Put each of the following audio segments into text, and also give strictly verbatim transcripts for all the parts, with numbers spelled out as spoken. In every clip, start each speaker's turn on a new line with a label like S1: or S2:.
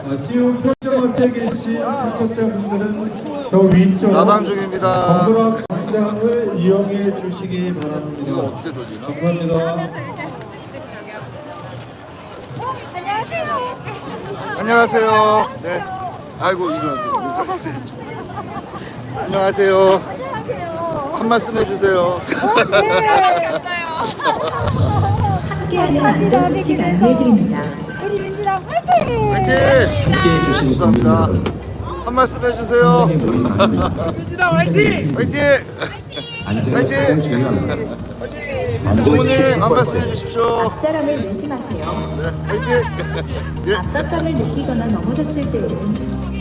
S1: 지금 표정업체 계신 참석자분들은 더 위쪽
S2: 라방 중입니다.
S1: 건드락 광장을 이용해 주시기 바랍니다.
S2: 이거 어떻게 돌리나?
S1: 감사합니다.
S2: 안녕하세요. 네. 아이고 일어나세요. 인사드려요. 안녕하세요. 한 말씀 해주세요.
S3: 함께하는 안전수칙 안내해드립니다.
S4: 우리 민주당 화이팅!
S2: 화이팅!
S5: 함께해 주신 국민
S2: 감사합니다.
S5: 여러분,
S2: 한 말씀 해주세요.
S5: 현장에 모인 많은
S2: 민주당 화이팅! 화이팅!
S5: 안전이
S2: 화이팅!
S5: 가장 중요합니다.
S2: 부모님
S5: 안전수칙 첫
S2: 한 말씀
S5: 번째,
S2: 해주십시오.
S3: 앞사람을 내지 마세요.
S2: 네, 화이팅! 예.
S3: 압박감을 느끼거나 넘어졌을 때에는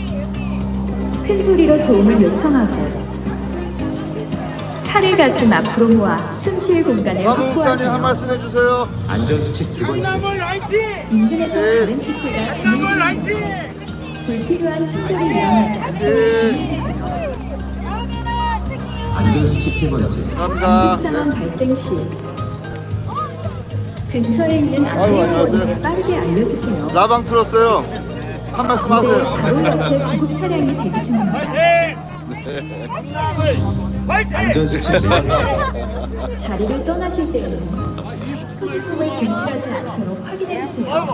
S3: 큰 소리로 도움을 요청하고 팔을 가슴 앞으로 모아 숨 쉴 공간을
S2: 사무국장님 한
S3: 확보하세요.
S2: 말씀 해주세요.
S5: 안전수칙 두 번째,
S3: 인근에서
S2: 네.
S3: 다른 친구가 진행됩니다. 불필요한 충돌을 일어나지 않도록
S2: 네.
S3: 주의해주세요.
S5: 안전수칙 세 번째,
S2: 감사합니다.
S3: 응급 상황
S2: 네.
S3: 발생 시 근처에 있는
S2: 아이고, 안녕하세요.
S3: 안내요원에 빠르게 알려주세요.
S2: 라방 틀었어요. 한 말씀
S3: 네,
S2: 하세요.
S3: 바로 옆에 구급 차량이 대기 중입니다.
S5: 안전수칙 네 번째,
S3: 자리를 떠나실 때에는 소지품을 분실하지 않도록 확인해주세요.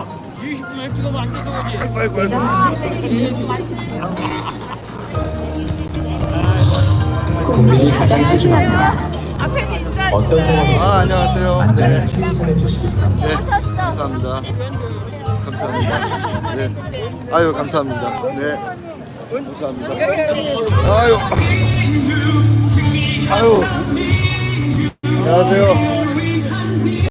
S3: 내가 만든 주세요.
S5: 국민이 가장 소중합니다. 어떤 상황에서
S2: 아 안녕하세요. 네.
S5: 안전수칙 최우선해 주시기 바랍니다.
S2: 네, 감사합니다. 감사합니다. 네, 아유 감사합니다. 네, 감사합니다. 아유, 아유, 안녕하세요.